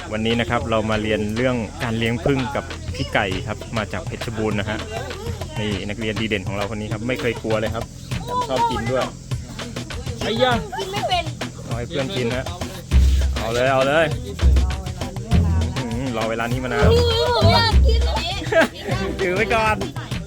วันนี้นะครับเรามาเรียนเรื่องการเลี้ยงผึ้งกับพี่ไก่ครับมาจากเพชรบูรณ์นะฮะนี่นักเรียนดีเด่นของเราคนนี้ครับไม่เคยกลัวเลยครับแถมชอบกินด้วยไอ้ยะกินไม่เป็นเอาให้เพื่อนกินฮะเอาเลยรอเวลานี้มานานผมอยากกินอันนี้ถือไว้ก่อน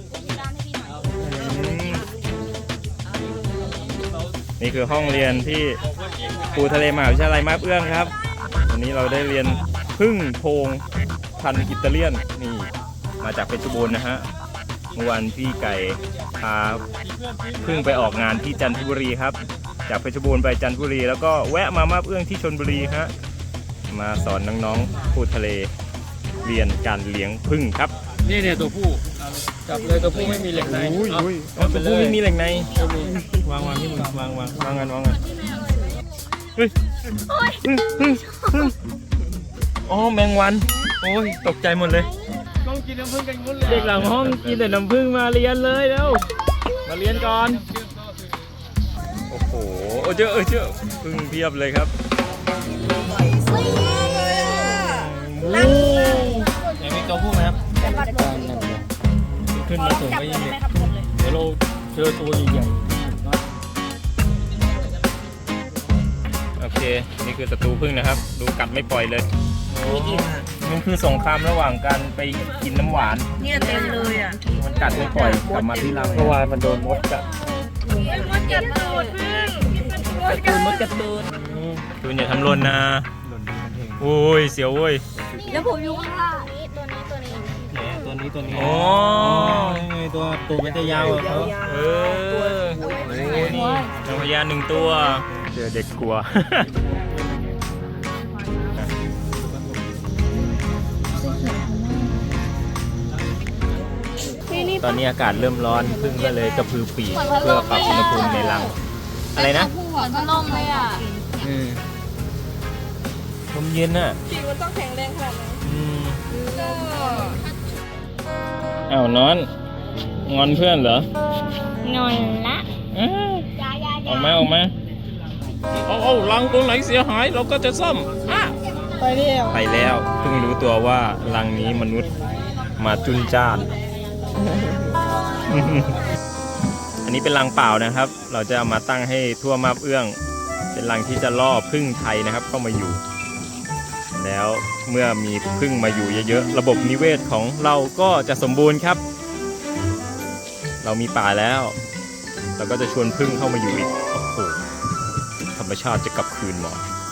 นี่คือห้องเรียนที่ปูทะเลมหาวิทยาลัยมาบเอื้องครับวันนี้เราได้เรียนผึ้งโพงพันธุ์อิตาเลียนนี่มาจากเพชรบูรณ์นะฮะเมื่อวานพี่ไก่พาผึ้งไปออกงานที่จันทบุรีครับจากเพชรบูรณ์ไปจันทบุรีแล้วก็แวะมามาบเอื้องที่ชลบุรีฮะมาสอนน้องๆปูทะเลเรียนการเลี้ยงผึ้งครับนี่เนี่ยตัวผู้จับเลยตัวผู้ไม่มีเหล็กในตัวผู้ไม่มีเหล็กในวางที่มึงวางกันเฮ้ยอ๋อแมงวันโอ้ยตกใจหมดเลยต้องกินน้ำผึ้งกันงุ้นเลยเด็กหลังห้องกินแต่น้ำผึ้งมาเรียนเลยแล้วมาเรียนก่อนโอ้โหเจอผึ้งเพียบเลยครับยังมีตัวผู้ไหมครับขึ้นมาสูงไปยังไงเดี๋ยวเราเจอตัวใหญ่โอเคนี่คือศัตรูผึ้งนะครับดูกัดไม่ปล่อยเลยมันคือสงครามระหว่างการไปกินน้ำหวานเนี่ยเต็มเลยอ่ะมันกัดไม่ปล่อยกลับมาที่รังเมื่อวานมันโดนมดกัดมดกัดตูดมดกัดตูดคุณอย่าทำหล่นนะโอ้ยเสียวเว้ยแล้วผมอยู่ข้างล่างตัวนี้โอ้ตัวตูดมันจะยาวเขานี่นางพญา1ตัวเจอเด็กกลัวตอนนี้อากาศเริ่มร้อนผึ้งก็เลยกระพือปีกเพื่อปรับอุณหภูมิในรังอะไรนะหัวพัดลมเลยอ่ะลมเย็นน่ะจริงมันต้องแข็งแรงขนาดนั้นอ้าวนอนงอนเพื่อนเหรงอนละออกมาเอารังตรงไหนเสียหายเราก็จะซ่อมไปแล้วเพิ่งรู้ตัวว่ารังนี้มนุษย์มาจุนจ้านอันนี้เป็นรังเปล่านะครับเราจะเอามาตั้งให้ทั่วมาบเอื้องเป็นรังที่จะล่อผึ้งไทยนะครับเข้ามาอยู่แล้วเมื่อมีผึ้งมาอยู่เยอะๆระบบนิเวศของเราก็จะสมบูรณ์ครับเรามีป่าแล้วเราก็จะชวนผึ้งเข้ามาอยู่อีกโอ้โหธรรมชาติจะกลับคืนมา